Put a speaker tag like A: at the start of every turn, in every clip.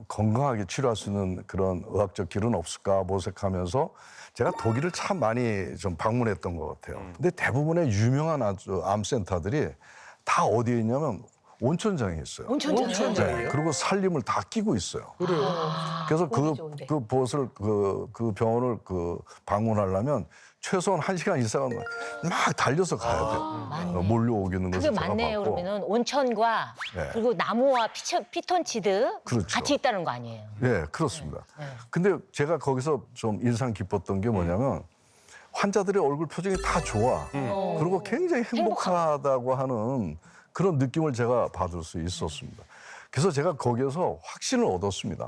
A: 건강하게 치료할 수 있는 그런 의학적 길은 없을까 모색하면서 제가 독일을 참 많이 좀 방문했던 것 같아요. 근데 대부분의 유명한 암센터들이 다 어디에 있냐면 온천장에 있어요.
B: 온천장이요?
A: 네, 그리고 살림을 다 끼고 있어요.
B: 그래요?
A: 그래서
C: 보기 좋은데.
A: 그 곳을 그 병원을 방문하려면 최소한 1시간 이상은 막 달려서 가야 돼요.
D: 맞네.
A: 몰려오기는
D: 그게
A: 것을 제가
D: 맞네요.
A: 봤고.
D: 그러면은 온천과
A: 네.
D: 그리고 나무와 피톤치드
A: 그렇죠.
D: 같이 있다는 거 아니에요?
A: 네, 그렇습니다.
D: 네.
A: 근데 제가 거기서 좀 인상 깊었던 게 뭐냐면 환자들의 얼굴 표정이 다 좋아. 그리고 굉장히 행복하다고 하는 그런 느낌을 제가 받을 수 있었습니다. 그래서 제가 거기에서 확신을 얻었습니다.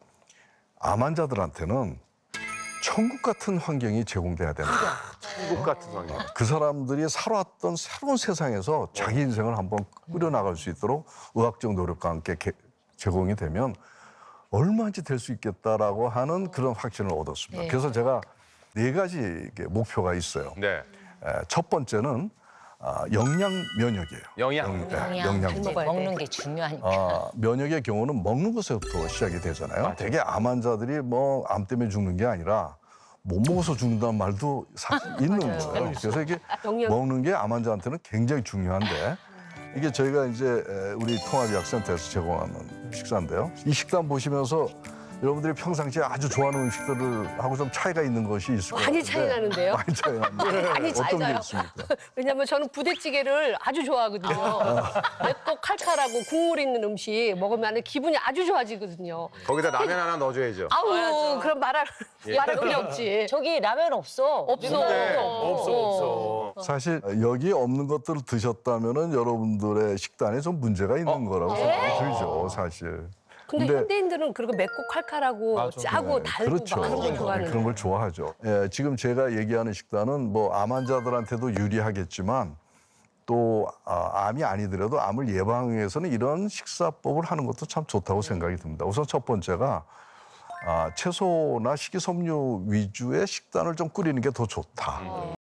A: 암 환자들한테는 천국 같은 환경이 제공돼야 된다.
B: 천국 같은 환경.
A: 그 사람들이 살아왔던 새로운 세상에서 자기 인생을 한번 꾸려나갈 수 있도록 의학적 노력과 함께 제공이 되면 얼마든지 될 수 있겠다라고 하는 그런 확신을 얻었습니다.
D: 네.
A: 그래서 제가 4가지 목표가 있어요.
B: 네.
A: 첫 번째는 영양 면역이에요.
B: 영양.
A: 영양.
D: 이제
C: 먹어야
D: 먹는
C: 돼.
D: 게 중요하니까.
A: 면역의 경우는 먹는 것에서부터 시작이 되잖아요. 되게 암 환자들이 뭐 암 때문에 죽는 게 아니라 못 먹어서 죽는다는 말도 사실 있는 거예요. 그래서 이게
C: 영양.
A: 먹는 게 암 환자한테는 굉장히 중요한데 이게 저희가 이제 우리 통합의학센터에서 제공하는 식사인데요. 이 식단 보시면서 여러분들이 평상시에 아주 좋아하는 음식들을 하고 좀 차이가 있는 것이 있을 것 같아요.
C: 많이 차이 나는데요?
A: 많이 차이 납니다.
C: 많이 차이
A: 어떤 게
C: 나요.
A: 있습니까?
C: 왜냐면 저는 부대찌개를 아주 좋아하거든요. 맵고 칼칼하고 국물 있는 음식 먹으면 기분이 아주 좋아지거든요.
B: 거기다 라면 하나 넣어줘야죠.
C: 아우, 그럼 말할 필요 없지.
D: 저기 라면 없어.
C: 없어.
B: 네.
C: 없어.
A: 사실 여기에 없는 것들을 드셨다면은 여러분들의 식단에 좀 문제가 있는 거라고 생각이 들죠, 사실.
C: 근데 현대인들은 그리고 맵고 칼칼하고 짜고 달고
A: 그렇죠.
C: 막 그런 걸 좋아하는
A: 그런 걸 좋아하죠. 예, 지금 제가 얘기하는 식단은 뭐 암 환자들한테도 유리하겠지만 또 암이 아니더라도 암을 예방하기 위해서는 이런 식사법을 하는 것도 참 좋다고 생각이 듭니다. 우선 첫 번째가 채소나 식이섬유 위주의 식단을 좀 꾸리는 게 더 좋다.